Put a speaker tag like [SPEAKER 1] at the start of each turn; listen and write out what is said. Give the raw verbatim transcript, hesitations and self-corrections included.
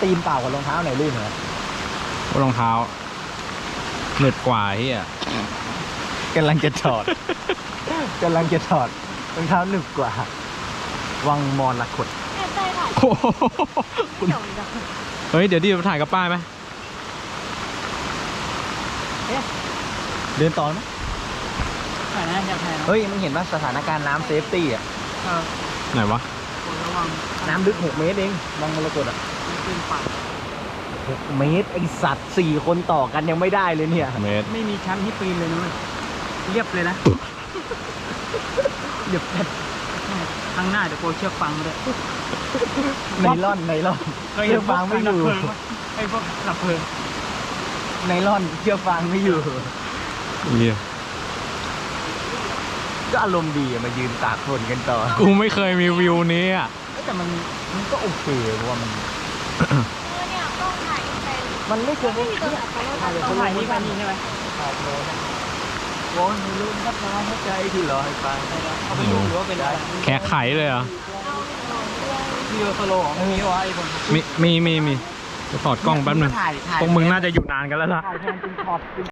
[SPEAKER 1] ตีนเปล่ากับรองเท้าไหนลื่นเหรอ
[SPEAKER 2] รองเท้าเหนืดกว่าเฮีย
[SPEAKER 1] กำลังจะถอด กำลังจะถอดรองเท้าหนึบกว่า วังมรละขด
[SPEAKER 3] แอบได้ถ่าย
[SPEAKER 2] โอ้โห
[SPEAKER 3] เดี๋ยวเดี๋ยว
[SPEAKER 2] เฮ้ยเดี๋ยวดิไปถ่ายกับป้ายไหม
[SPEAKER 1] เดินต่อไหม
[SPEAKER 3] ถ่ายนะอยากถ่ายนะ
[SPEAKER 1] เฮ้ยมันเห็นว่าสถานการณ์น้ำเซฟตี้อ่ะ
[SPEAKER 3] เออ
[SPEAKER 2] ไหนวะ
[SPEAKER 3] ระวัง
[SPEAKER 1] น้ำลึกหกเมตรเองวังมรกตอ่ะ
[SPEAKER 3] ขึ้นฝั่ง
[SPEAKER 1] หกเมตรไอสัตว์สี่คนต่อกันยังไม่ได้เลยเนี่ย
[SPEAKER 2] เมตร
[SPEAKER 3] ไม่มีชั้นให้ปีนเลยนะเว้ยเรียบเลยนะ
[SPEAKER 1] เดี๋ยว
[SPEAKER 3] ข้างหน้าเดี๋ยวโกเชือกฟังมาด้วย
[SPEAKER 1] ไนล่อนไนล่อนเชือกฟางไม่อยู่
[SPEAKER 3] ไอ้พวกหลับเพลิง
[SPEAKER 1] ไนล่อนเชือกฟางไม่อยู่
[SPEAKER 2] เฮีย
[SPEAKER 1] ก็อารมณ์ดีอะมายืนตากฝนกันต่อ
[SPEAKER 2] กูไม่เคยมีวิวนี้อ่ะ
[SPEAKER 1] แต่มันมันก็โอเคเพราะว่ามัน
[SPEAKER 3] เนี่ยต้องถ่ายไป
[SPEAKER 1] มันไม่เคย
[SPEAKER 3] ไม่มีตัวถ่ายถ่ายต้องถ่ายนี่ไปนี่ใช่ไหม
[SPEAKER 1] ถ่ายโลนะวอนให้ลืมทับน้ำหัวใจที่รอให้ฟัง
[SPEAKER 3] เอาไปดูหรือว่าเป็นอะไร
[SPEAKER 2] แขกไขเลยเหรอ
[SPEAKER 3] วิดีโอโซโล่ของมีวะไอ้คน
[SPEAKER 2] มีมีมีมีจะถอดกล้องแป๊บนึง
[SPEAKER 1] ถ่ายถ่าย
[SPEAKER 2] พวกมึงน่าจะอยู่นานกันแล้วล่ะ
[SPEAKER 1] ถ่ายแทนเป็นช็อต